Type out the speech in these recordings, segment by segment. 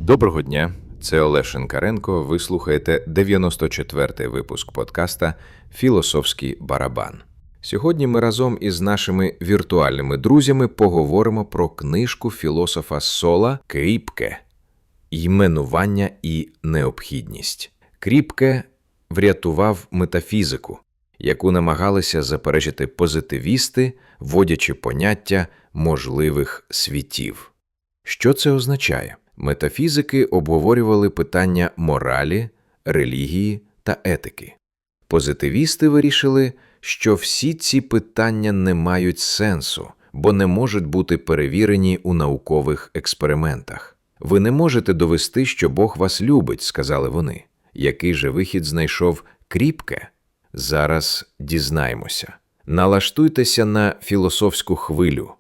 Доброго дня, це Олег Шинкаренко, ви слухаєте 94-й випуск подкаста «Філософський барабан». Сьогодні ми разом із нашими віртуальними друзями поговоримо про книжку філософа Сола Кріпке «Іменування і необхідність». Кріпке врятував метафізику, яку намагалися заперечити позитивісти, вводячи поняття можливих світів. Що це означає? Метафізики обговорювали питання моралі, релігії та етики. Позитивісти вирішили, що всі ці питання не мають сенсу, бо не можуть бути перевірені у наукових експериментах. «Ви не можете довести, що Бог вас любить», – сказали вони. Який же вихід знайшов Кріпке? Зараз дізнаємося. Налаштуйтеся на філософську хвилю.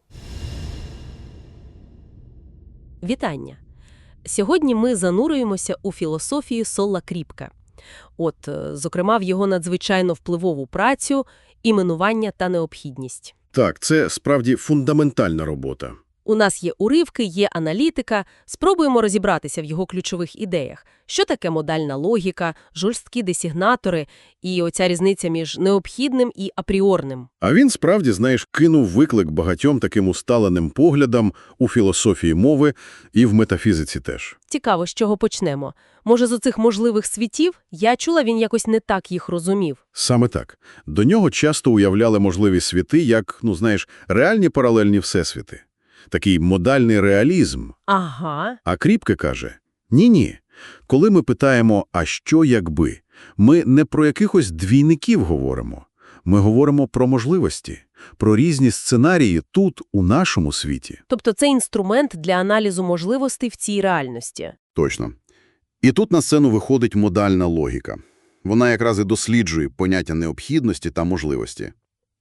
Вітання! Сьогодні ми занурюємося у філософію Сола Кріпке. Зокрема, в його надзвичайно впливову працю «Іменування та необхідність». Так, це справді фундаментальна робота. У нас є уривки, є аналітика. Спробуємо розібратися в його ключових ідеях. Що таке модальна логіка, жорсткі десігнатори і оця різниця між необхідним і апріорним. А він справді, кинув виклик багатьом таким усталеним поглядам у філософії мови і в метафізиці теж. Цікаво, з чого почнемо. Може, з оцих можливих світів? Я чула, він якось не так їх розумів. Саме так. До нього часто уявляли можливі світи як, реальні паралельні всесвіти. Такий модальний реалізм. Ага. А Кріпке каже, ні-ні. Коли ми питаємо «а що якби?», ми не про якихось двійників говоримо. Ми говоримо про можливості, про різні сценарії тут, у нашому світі. Тобто це інструмент для аналізу можливостей в цій реальності. Точно. І тут на сцену виходить модальна логіка. Вона якраз і досліджує поняття необхідності та можливості.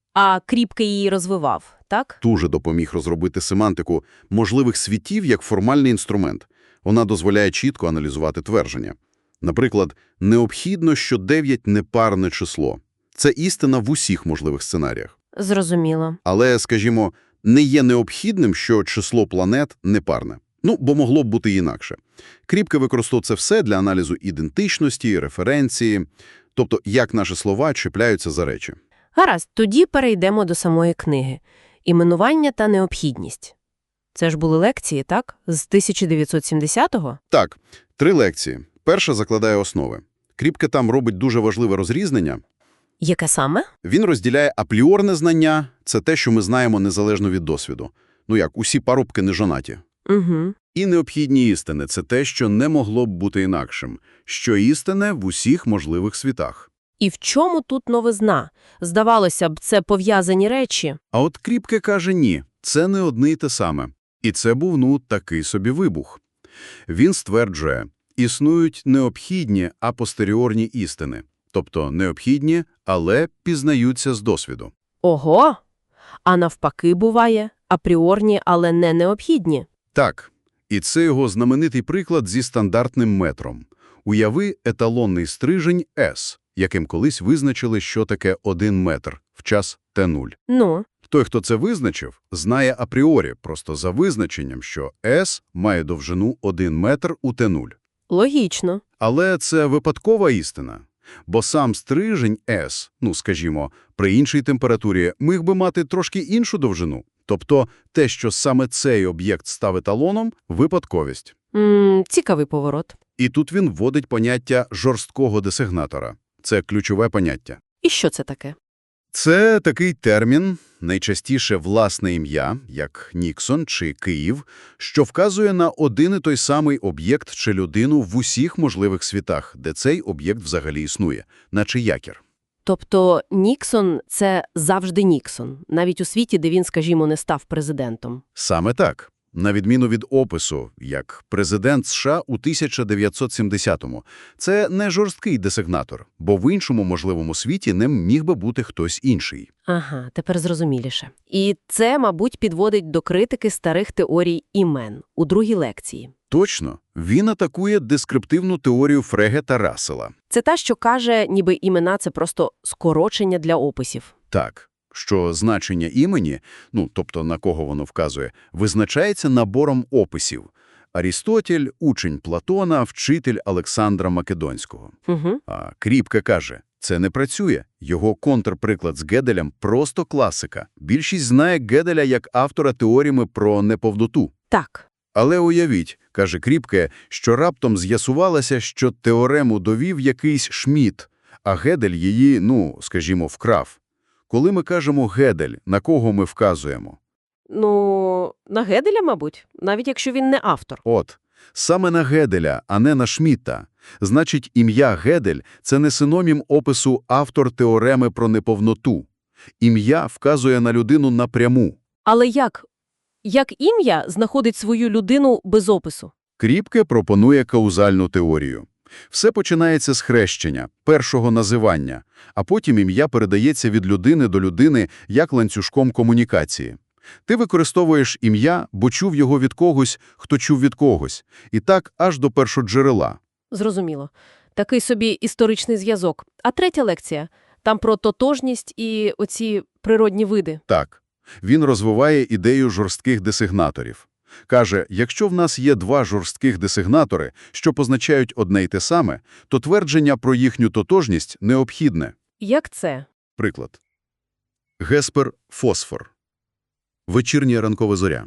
А Кріпке її розвивав, так? Дуже допоміг розробити семантику можливих світів як формальний інструмент. Вона дозволяє чітко аналізувати твердження. Наприклад, необхідно, що 9 – непарне число. Це істина в усіх можливих сценаріях. Зрозуміло. Але, скажімо, не є необхідним, що число планет непарне. Бо могло б бути інакше. Кріпке використовує це все для аналізу ідентичності, референції, тобто як наші слова чіпляються за речі. Гаразд, тоді перейдемо до самої книги. «Іменування та необхідність». Це ж були лекції, так? З 1970-го? Так, 3 лекції. Перша закладає основи. Кріпке там робить дуже важливе розрізнення. Яке саме? Він розділяє апріорне знання – це те, що ми знаємо незалежно від досвіду. Усі парубки не жонаті. Угу. І необхідні істини – це те, що не могло б бути інакшим. Що істине в усіх можливих світах. І в чому тут новизна? Здавалося б, це пов'язані речі. А от Кріпке каже ні, це не одне й те саме. І це був, такий собі вибух. Він стверджує, існують необхідні апостеріорні істини. Тобто необхідні, але пізнаються з досвіду. Ого! А навпаки буває, апріорні, але не необхідні. Так. І це його знаменитий приклад зі стандартним метром. Уяви еталонний стрижень S, яким колись визначили, що таке 1 метр в час Т0. Той, хто це визначив, знає апріорі, просто за визначенням, що S має довжину 1 метр у Т0. Логічно. Але це випадкова істина. Бо сам стрижень S, при іншій температурі, міг би мати трошки іншу довжину. Тобто те, що саме цей об'єкт став еталоном – випадковість. Цікавий поворот. І тут він вводить поняття жорсткого десигнатора. Це ключове поняття. І що це таке? Це такий термін, найчастіше власне ім'я, як Ніксон чи Київ, що вказує на один і той самий об'єкт чи людину в усіх можливих світах, де цей об'єкт взагалі існує, наче якір. Тобто Ніксон – це завжди Ніксон, навіть у світі, де він, не став президентом. Саме так. На відміну від опису, як президент США у 1970-му. Це не жорсткий десигнатор, бо в іншому можливому світі ним міг би бути хтось інший. Ага, тепер зрозуміліше. І це, мабуть, підводить до критики старих теорій імен у другій лекції. Точно. Він атакує дескриптивну теорію Фреге та Рассела. Це та, що каже, ніби імена – це просто скорочення для описів. Так. Що значення імені, тобто на кого воно вказує, визначається набором описів. Арістотель – учень Платона, вчитель Олександра Македонського. Угу. А Кріпке каже, це не працює. Його контрприклад з Геделем – просто класика. Більшість знає Геделя як автора теореми про неповноту. Так. Але уявіть, каже Кріпке, що раптом з'ясувалося, що теорему довів якийсь Шмідт, а Гедель її, скажімо, вкрав. Коли ми кажемо «Гедель», на кого ми вказуємо? Ну, на Геделя, мабуть, навіть якщо він не автор. От, саме на Геделя, а не на Шмідта. Значить, ім'я Гедель – це не синонім опису «автор теореми про неповноту». Ім'я вказує на людину напряму. Але як? Як ім'я знаходить свою людину без опису? Кріпке пропонує каузальну теорію. Все починається з хрещення, першого називання, а потім ім'я передається від людини до людини як ланцюжком комунікації. Ти використовуєш ім'я, бо чув його від когось, хто чув від когось. І так аж до першоджерела. Зрозуміло. Такий собі історичний зв'язок. А третя лекція? Там про тотожність і оці природні види. Так. Він розвиває ідею жорстких десигнаторів. Каже, якщо в нас є два жорстких десигнатори, що позначають одне й те саме, то твердження про їхню тотожність необхідне. Як це? Приклад. Геспер – фосфор. Вечірня ранкова зоря.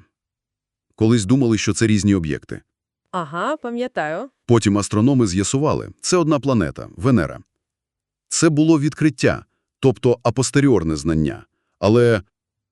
Колись думали, що це різні об'єкти. Ага, пам'ятаю. Потім астрономи з'ясували – це одна планета – Венера. Це було відкриття, тобто апостеріорне знання. Але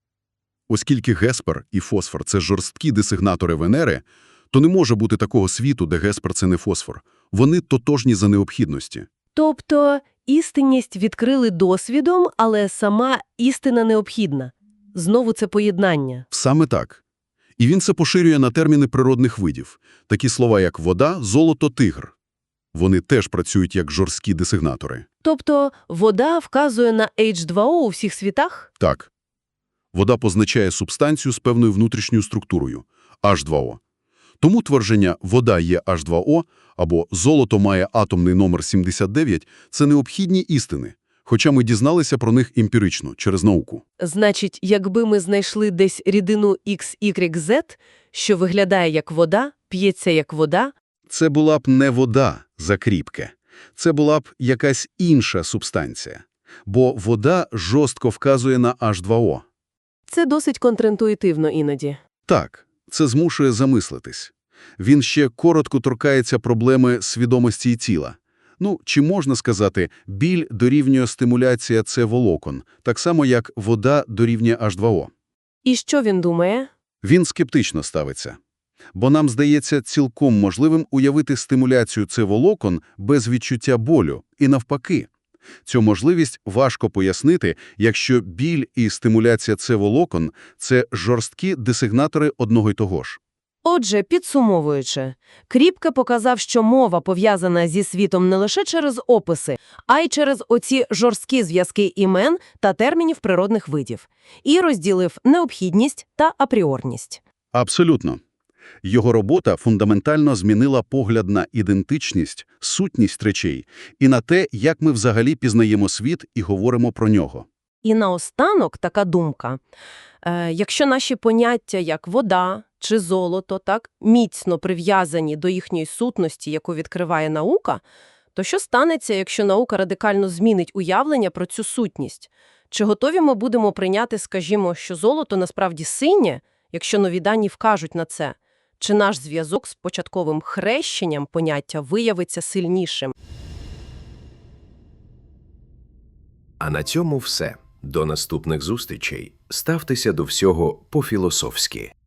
оскільки Геспер і фосфор – це жорсткі десигнатори Венери, то не може бути такого світу, де Геспер – це не фосфор. Вони тотожні за необхідності. Тобто істинність відкрили досвідом, але сама істина необхідна. Знову це поєднання. Саме так. І він це поширює на терміни природних видів. Такі слова, як вода, золото, тигр. Вони теж працюють як жорсткі десигнатори. Тобто вода вказує на H2O у всіх світах? Так. Вода позначає субстанцію з певною внутрішньою структурою – H2O. Тому твердження «вода є H2O» або «золото має атомний номер 79» – це необхідні істини, хоча ми дізналися про них емпірично, через науку. Значить, якби ми знайшли десь рідину XYZ, що виглядає як вода, п'ється як вода, Це була б не вода за Кріпке. Це була б якась інша субстанція. Бо вода жорстко вказує на H2O. це досить контрінтуїтивно іноді. Так, це змушує замислитись. Він ще коротко торкається проблеми свідомості і тіла. Чи можна сказати, біль дорівнює стимуляція С-волокон, так само як вода дорівнює H2O. І що він думає? Він скептично ставиться. Бо нам здається цілком можливим уявити стимуляцію С-волокон без відчуття болю. І навпаки. Цю можливість важко пояснити, якщо біль і стимуляція С-волокон – це жорсткі десигнатори одного й того ж. Отже, підсумовуючи, Кріпке показав, що мова пов'язана зі світом не лише через описи, а й через оці жорсткі зв'язки імен та термінів природних видів. І розділив необхідність та апріорність. Абсолютно. Його робота фундаментально змінила погляд на ідентичність, сутність речей і на те, як ми взагалі пізнаємо світ і говоримо про нього. І наостанок така думка. Якщо наші поняття, як вода чи золото, так, міцно прив'язані до їхньої сутності, яку відкриває наука, то що станеться, якщо наука радикально змінить уявлення про цю сутність? Чи готові ми будемо прийняти, скажімо, що золото насправді синє, якщо нові дані вкажуть на це? Чи наш зв'язок з початковим хрещенням поняття виявиться сильнішим? А на цьому все. До наступних зустрічей. Ставтеся до всього по-філософськи.